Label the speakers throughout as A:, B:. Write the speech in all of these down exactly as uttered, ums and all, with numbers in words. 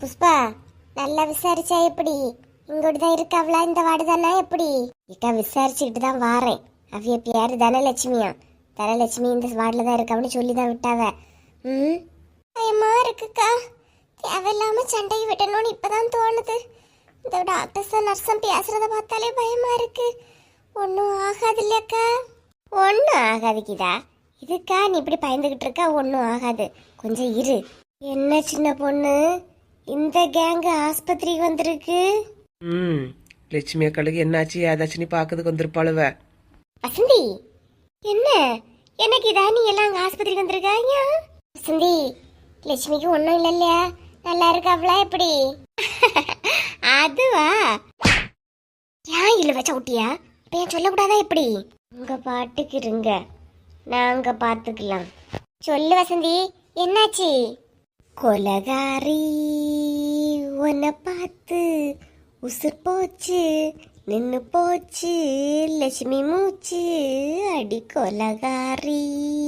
A: புஷ்பா நல்லா விசாரிச்சா எப்படி? இங்கோட்டு தான் இருக்காவளா இந்த வார்டு தானே எப்படி? இக்கா விசாரிச்சுக்கிட்டு தான் வாரேன். அவிய பேரு தனலட்சுமியா. தனலட்சுமி இந்த வார்டில் தான் இருக்காவன்னு சொல்லி தான் விட்டாவ. ம் பயமா இருக்குக்கா. தேவையில்லாம சண்டையை விட்டணும்னு இப்பதான் தோணுது. இந்த டாக்டர்ஸும் நர்ஸும் பேசுறத பார்த்தாலே பயமா இருக்கு. ஒன்றும் ஆகாது இல்லையாக்கா? ஒன்றும் ஆகாது கீதா. இதுக்கா நீ இப்படி பயந்துகிட்டு இருக்கா? ஒன்றும் ஆகாது, கொஞ்சம் இரு. என்ன சின்ன பொண்ணு, இந்த கேங்கு ஆஸ்பத்திரிக்கு வந்திருக்கு.
B: ம் லட்சுமி அக்காளுக்கு என்னாச்சு ஏதாச்சும் நீ பார்க்கறதுக்கு வந்திருப்பாளுவ.
A: வசந்தி என்ன எனக்கு இதா நீ எல்லாம் அங்கே ஆஸ்பத்திரிக்கு வந்திருக்காங்க? வசந்தி லட்சுமிக்கு ஒன்றும் இல்லை இல்லையா? நல்லா இருக்காவளா எப்படி? அதுவா ஏன் இல்லை வச்சா விட்டியா? இப்போ ஏன் சொல்லக்கூடாதா எப்படி? உங்க பாட்டுக்கு இருங்க, நாங்க பார்த்துக்கலாம். சொல்லு வசந்தி, என்னாச்சு? கொலகாரி உன்னை பார்த்து உசுர் போச்சு, நின்னு போச்சு லட்சுமி மூச்சு, அடி கொலகாரி.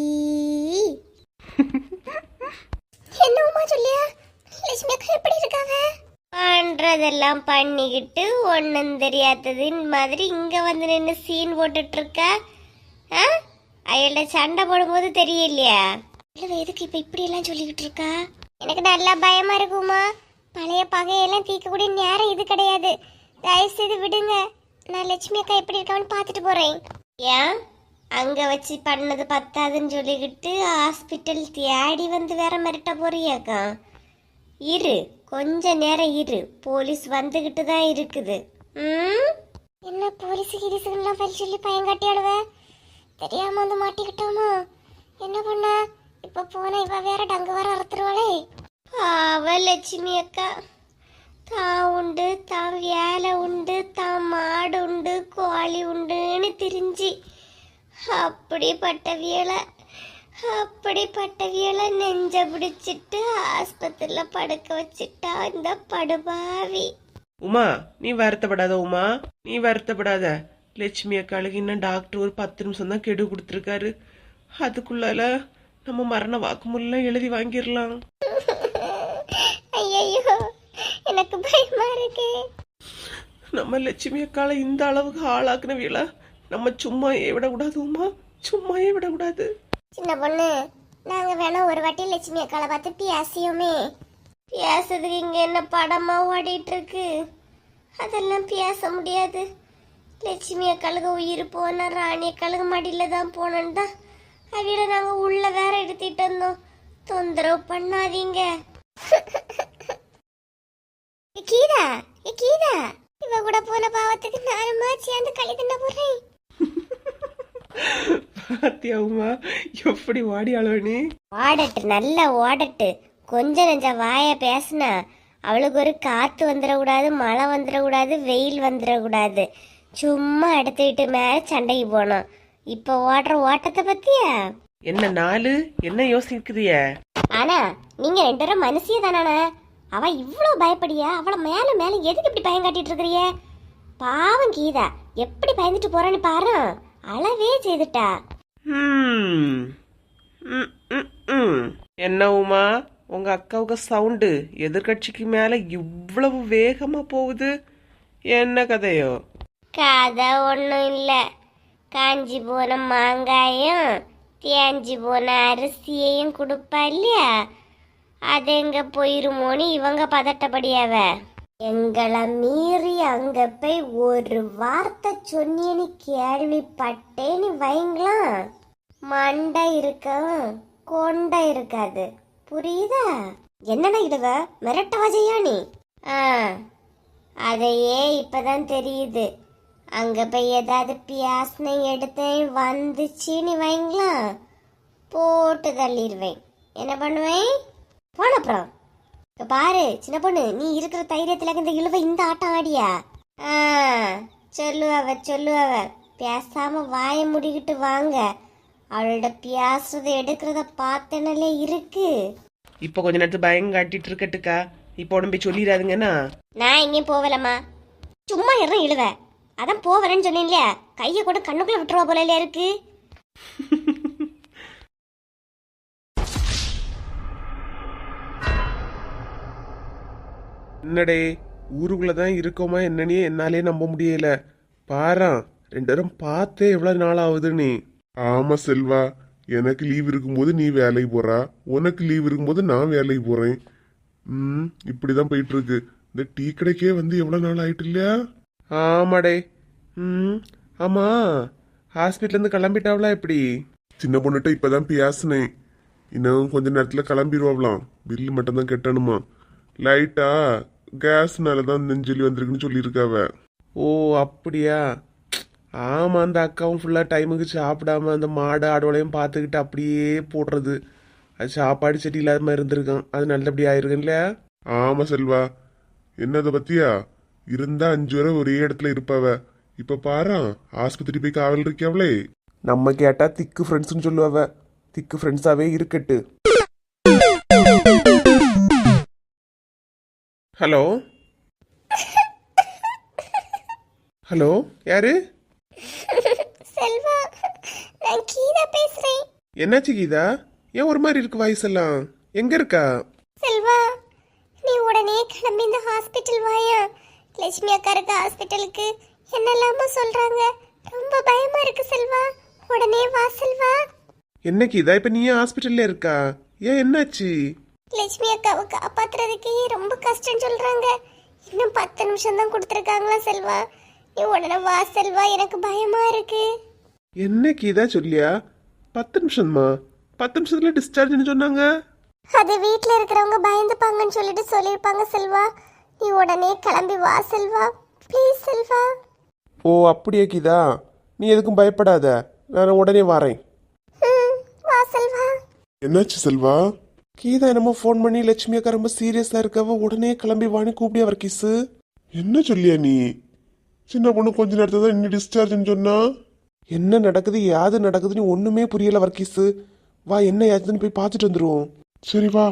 A: என்னமா சொல்லியா? லட்சுமி அக்கா எப்படி இருக்காங்க? பண்றதெல்லாம் பண்ணிக்கிட்டு ஒன்னும் தெரியாததின் மாதிரி இங்க வந்து நின்று சீன் போட்டுட்டு இருக்கா. அயல்ட சண்டை போடும்போது தெரியலையா? எதுக்கு இப்ப இப்படி எல்லாம் சொல்லிக்கிட்டு இருக்கா? எனக்கு நல்லா பயமா இருக்குமா. பழைய பகையெல்லாம் தீர்க்கக்கூடிய நேரம் இது கிடையாது. தயவு செய்து விடுங்க. நான் லட்சுமி அக்கா எப்படி இருக்கான்னு பார்த்துட்டு போறேன். ஏன் அங்க வச்சு பண்ணது பத்தாதுன்னு சொல்லிக்கிட்டு ஹாஸ்பிட்டல் தேடி வந்து வேற மிரட்ட போறியாக்கா? இரு, கொஞ்ச நேரம் இரு, போலீஸ் வந்துகிட்டு தான் இருக்குது. ம் என்ன போலீஸ் கிரிசுலாம் பறி சொல்லி பயங்காட்டியாடுவ? தெரியாம வந்து மாட்டிக்கிட்டோமோ என்ன பண்ண? இப்ப போன இவ வேற டங்கு வர அறுத்துருவாளே. பாவ லட்சுமி அக்கா, தான் உண்டு, தான் வேலை உண்டு, தான் மாடு உண்டு, கோழி உண்டுன்னு திரிஞ்சு அப்படிப்பட்ட வேலை அப்படிப்பட்ட வேலை நெஞ்ச பிடிச்சிட்டு ஆஸ்பத்திரியில படுக்க வச்சுட்டா இந்த படுபாவி.
B: உமா நீ வருத்தப்படாத. உமா நீ வருத்தப்படாத. லட்சுமி அக்காளுக்கு இன்னும் டாக்டர் ஒரு பத்து நிமிஷம் தான் கெடு கொடுத்துருக்காரு. அதுக்குள்ளால நம்ம மரண வாக்குமூலம் எழுதி வாங்கிடலாம்.
A: ஐயோ எனக்கு பயமா இருக்கு.
B: நம்ம லட்சுமி அக்காளை இந்த அளவுக்கு ஆளாக்குன வேலை நம்ம சும்மாயே விடக்கூடாது. உமா சும்மாயே விடக்கூடாது.
A: சின்ன பொண்ணு, நாங்க வேணா ஒரு வாட்டி லட்சுமி அக்காளை பார்த்து பேசியோமே. பேசுறதுக்கு இங்க என்ன படமா ஓடிட்டு இருக்கு? அதெல்லாம் பேச முடியாது. லட்சுமி அக்காளுக்கு உயிர் போனா ராணி அக்காளுக்கு மடியில தான் போனோன்னு தான் அவியில நாங்க உள்ள வேற எடுத்துட்டு வந்தோம். தொந்தரவு பண்ணாதீங்க. கீதா ஏ கீதா, இவ கூட போன பாவத்துக்கு நானுமா சேர்ந்து களி தின்ன போறேன்.
B: பாத்தியா உமா எப்படி ஓடி அழவனி?
A: ஓடட்டு, நல்லா ஓடட்டு. கொஞ்ச நெஞ்ச வாய பேசுனா அவளுக்கு ஒரு காத்து வந்துடக்கூடாது, மழை வந்துடக்கூடாது, வெயில் வந்துடக்கூடாது. சும்மா எடுத்துக்கிட்டு மேல சண்டைக்கு போனோம். இப்ப ஓடுற ஓட்டத்தை பத்தியா?
B: என்ன நாலு என்ன யோசிக்குதிய?
A: ஆனா நீங்க ரெண்டு பேரும் மனுஷிய தானே. அவ இவ்வளவு பயப்படியா? அவளை மேல மேல எதுக்கு இப்படி பயம் காட்டிட்டு இருக்கிறிய? பாவம் கீதா எப்படி பயந்துட்டு போறான்னு பாரு. அளவே செய்துட்டா.
B: என்ன உமா உங்க அக்காவுக்கு சவுண்டு எதிர்கட்சிக்கு மேல இவ்வளவு வேகமா போகுது? என்ன கதையோ?
A: கதை ஒன்றும் இல்லை. காஞ்சி போன மாங்காயும் தேஞ்சி போன அரிசியையும் கொடுப்பா இல்லையா, அது எங்க போயிருமோன்னு இவங்க பதட்டப்படியாவ. எங்களை மீறி அங்க போய் ஒரு வார்த்தை சொன்னியன்னு கேள்விப்பட்டேன்னு வைங்களாம், மண்டை இருக்கும் கொண்டை இருக்காது. புரியுதா? என்னடா இதுவ மிரட்டவா செய்யா நீ? ஆ அதையே இப்பதான் தெரியுது. அங்க போய் ஏதாவது பியாசனை எடுத்தேன் வந்துச்சுன்னு வைங்களாம், போட்டு தள்ளிடுவேன். என்ன பண்ணுவேன்? போனப்புறம் பாரு சின்ன பொண்ணு, நீ இருக்கிற தைரியத்துல இந்த இழுவ இந்த ஆட்டம் ஆடியா? ஆ சொல்லுவவ சொல்லுவவ பேசாம வாய முடிக்கிட்டு வாங்க. அவளோட பேசுறத எடுக்கிறத பார்த்தனாலே இருக்கு.
B: இப்ப கொஞ்ச நேரத்து பயம் காட்டிட்டு இருக்கட்டுக்கா. இப்ப உடம்பு சொல்லிடாதுங்கன்னா
A: நான் எங்கேயும் போவலம்மா. சும்மா இறம் இழுவ. அதான் போவலன்னு சொன்னேன் இல்லையா, கையை கூட கண்ணுக்குள்ள விட்டுருவா போல இல்லையா இருக்கு.
B: என்னடே ஊருக்குள்ளதான் இருக்கோமா என்னன்னே என்னாலே நம்ப முடியல. பாரா ரெண்டு பேரும் பார்த்தே எவ்வளவு நாள் ஆகுதுன்னு.
C: ஆமா செல்வா, எனக்கு லீவ் இருக்கும்போது நீ வேலைக்கு போறா, உனக்கு லீவ் இருக்கும்போது நான் வேலைக்கு போறேன். ம் இப்படிதான் போயிட்டு இருக்கு. இந்த டீ கடைக்கே வந்து எவ்வளவு நாள் ஆயிட்டு இல்லையா?
B: ஆமாடே. ம் ஆமா, ஹாஸ்பிட்டல் இருந்து கிளம்பிட்டாவளா எப்படி?
C: சின்ன பொண்ணுகிட்ட இப்பதான் பேசினேன். இன்னும் கொஞ்ச நேரத்துல கிளம்பிடுவாங்களாம். பில்லு மட்டும் தான் கட்டணுமா. லைட்டா கேஸ்னாலதான் நெஞ்சொலி வந்திருக்குன்னு சொல்லியிருக்காவ.
B: ஓ அப்படியா? ஆமா, அந்த அக்காவும் ஃபுல்லா டைமுக்கு சாப்பிடாம அந்த மாடு ஆடோலையும் பார்த்துக்கிட்டு அப்படியே போடுறது. அது சாப்பாடு சரி இல்லாத மாதிரி இருந்திருக்கான். அது நல்லபடி ஆயிருக்கும் இல்லையா?
C: ஆமா செல்வா, என்னத பத்தியா இருந்தா அஞ்சு வரை ஒரே இடத்துல இருப்பாவ. இப்ப பாரா ஆஸ்பத்திரி போய் காவல் இருக்கியாவளே.
B: நம்ம கேட்டா திக்கு ஃப்ரெண்ட்ஸ்னு சொல்லுவாவ. திக்கு ஃப்ரெண்ட்ஸாவே இருக்கட்டு. ஹலோ ஹலோ, யாரு?
A: செல்வா, நான் கீதா பேசுறேன்.
B: என்னாச்சு கீதா? ஏன் ஒரு மாதிரி இருக்கு வாய்ஸ் எல்லாம்? எங்க இருக்கா?
A: செல்வா, நீ உடனே கிளம்பி இந்த ஹாஸ்பிட்டல் வாயா. லட்சுமி அக்கா இருக்க ஹாஸ்பிட்டலுக்கு என்னெல்லாமோ சொல்றாங்க. ரொம்ப பயமா இருக்கு செல்வா. உடனே வா செல்வா.
B: என்ன கீதா, இப்ப நீ ஏன் ஹாஸ்பிட்டல்ல இருக்கா? ஏன் என்னாச்சு?
A: லட்சுமி அக்காவை காப்பாத்துறதுக்கு ரொம்ப கஷ்டம் சொல்றாங்க. இன்னும் பத்து நிமிஷம் தான் கொடுத்துருக்காங்களா செல்வா. நீ உடனே வா செல்வா, எனக்கு பயமா இருக்கு.
B: என்ன கீதா சொல்லியா? பத்து நிமிஷமா? பத்து நிமிஷத்துல டிஸ்சார்ஜ்னு சொன்னாங்க.
A: அது வீட்ல இருக்கிறவங்க பயந்துப்பாங்கன்னு சொல்லிட்டு சொல்லியிருப்பாங்க செல்வா. நீ உடனே கிளம்பி வா செல்வா, ப்ளீஸ் செல்வா.
B: ஓ அப்படியா கீதா? நீ எதுக்கும் பயப்படாத, நான் உடனே வரேன்.
A: ம், வா செல்வா.
C: என்னாச்சு செல்வா?
B: கீதா என்னமோ ஃபோன் பண்ணி லட்சுமி அக்கா ரொம்ப சீரியஸா இருக்கவ, உடனே கிளம்பி வாணி கூப்பிடியா வர்க்கீஸு.
C: என்ன சொல்லியா நீ? சின்ன பொண்ணு கொஞ்ச நேரத்தை தான் இன்னும் டிஸ்சார்ஜ்னு சொன்னா.
B: என்ன நடக்குது யாது நடக்குதுன்னு ஒண்ணுமே புரியல வர்க்கீஸு. வா, என்ன ஆச்சுன்னு போய் பார்த்துட்டு வந்துருவோம்.
C: சரி வா.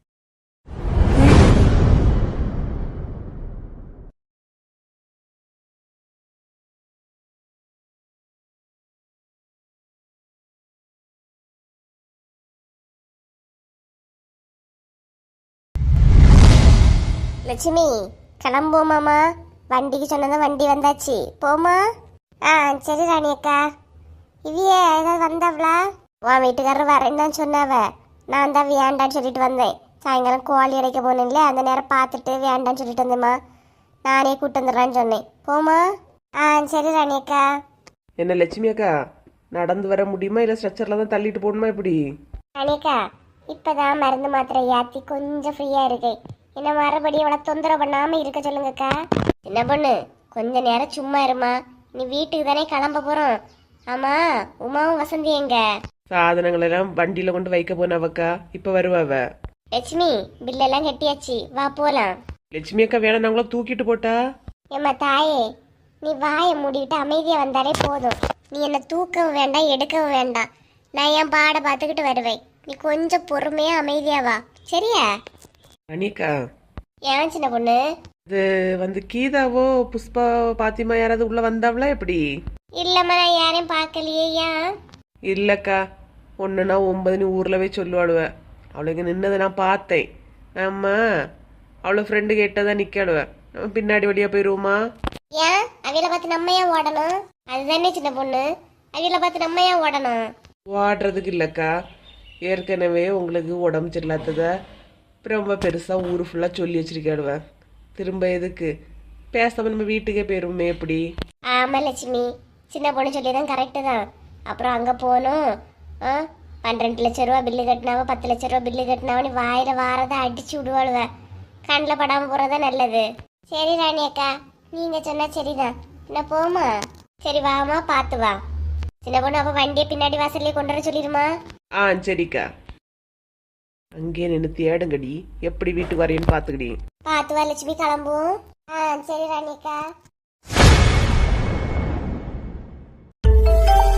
A: லட்சுமி, கிளம்புவோமாமா? வண்டிக்கு சொன்னதான் வண்டி வந்தாச்சு, போமா? ஆ சரி ராணி அக்கா. இவிய ஏதாவது வந்தாவளா? உன் வீட்டுக்காரர் வரேன்னு தான் சொன்னாவ. நான் தான் வேண்டான்னு சொல்லிட்டு வந்தேன். சாயங்காலம் கோழி அடைக்க போனேன்ல, அந்த நேரம் பார்த்துட்டு வேண்டான்னு சொல்லிட்டு வந்தேம்மா. நானே கூட்டு வந்துடுறான்னு சொன்னேன், போமா? ஆ சரி ராணி அக்கா.
B: என்ன லட்சுமி அக்கா, நடந்து வர முடியுமா இல்ல ஸ்ட்ரெச்சர்ல தான் தள்ளிட்டு போகணுமா இப்படி?
A: ராணி அக்கா, இப்பதான் மருந்து மாத்திரை ஏற்றி கொஞ்சம் ஃப்ரீயா இருக்கேன். என்ன மறுபடியும் அவளை தொந்தரவு பண்ணாம இருக்க சொல்லுங்கக்கா. என்ன பொண்ணு, கொஞ்ச நேரம் சும்மா இருமா. நீ வீட்டுக்கு தானே கிளம்ப போறோம். ஆமா, உமாவும் வசந்தி எங்க?
B: சாதனங்கள் எல்லாம் வண்டியில கொண்டு வைக்க போனவக்கா, இப்ப வருவாவ.
A: லட்சுமி, பில்லெல்லாம் கட்டியாச்சு, வா போலாம்.
B: லட்சுமி அக்கா வேணா நாங்களும் தூக்கிட்டு போட்டா?
A: ஏம்மா தாயே, நீ வாயை மூடிவிட்டு அமைதியா வந்தாலே போதும். நீ என்ன தூக்கவும் வேண்டாம், எடுக்கவும் வேண்டாம். நான் என் பாட பார்த்துக்கிட்டு வருவேன். நீ கொஞ்சம் பொறுமையா அமைதியா வா, சரியா?
B: அனிகா,
A: ஏன் சின்ன பொண்ணு?
B: இது வந்து கீதாவோ புஷ்பா பாத்திமா யாராவது உள்ள வந்தாவளா எப்படி?
A: இல்லம்மா, நான் யாரையும் பார்க்கலையே. ஏன்?
B: இல்லக்கா, ஒன்றுனா ஒன்பதுன்னு ஊரில் போய் சொல்லுவாளுவ. அவளுக்கு நின்னதை நான் பார்த்தேன். ஆமா, அவளை ஃப்ரெண்டு கேட்டதான் நிற்காளுவ. நம்ம பின்னாடி வழியாக போயிடுவோமா?
A: ஏன் அவியலை பார்த்து நம்ம ஏன் ஓடணும்? அதுதானே சின்ன பொண்ணு, அவியலை பார்த்து நம்ம ஏன் ஓடணும்?
B: ஓடுறதுக்கு இல்லைக்கா, ஏற்கனவே உங்களுக்கு உடம்பு சரியில்லாதத ரொம்ப பெருசாக ஊர் ஃபுல்லாக சொல்லி வச்சிருக்காளுவ. திரும்ப எதுக்கு பேசாம நம்ம வீட்டுக்கே போயிருவோமே எப்படி?
A: ஆமா லட்சுமி, சின்ன பொண்ணு சொல்லிதான் கரெக்டு தான். அப்புறம் அங்கே போகணும். ஆ பன்னிரெண்டு லட்ச ரூபா பில்லு கட்டினாவோ பத்து லட்ச ரூபா பில்லு கட்டினாவோ வாயில வாரதை அடிச்சு விடுவாளுவ. கண்ணில் படாமல் போகிறதா நல்லது. சரி ராணி அக்கா, நீங்க சொன்னா சரிதான். என்ன போமா? சரி வாமா, பார்த்து வா. சின்ன பொண்ணு, அப்போ வண்டியை பின்னாடி வாசல்லே கொண்டு வர சொல்லிடுமா?
B: ஆ சரிக்கா. அங்கே நின்று தேடுங்கடி, எப்படி வீட்டுக்கு வரையன்னு பார்த்துக்கடி.
A: பார்த்து வா லட்சுமி, கிளம்புவோம். ஆ சரி ராணி அக்கா.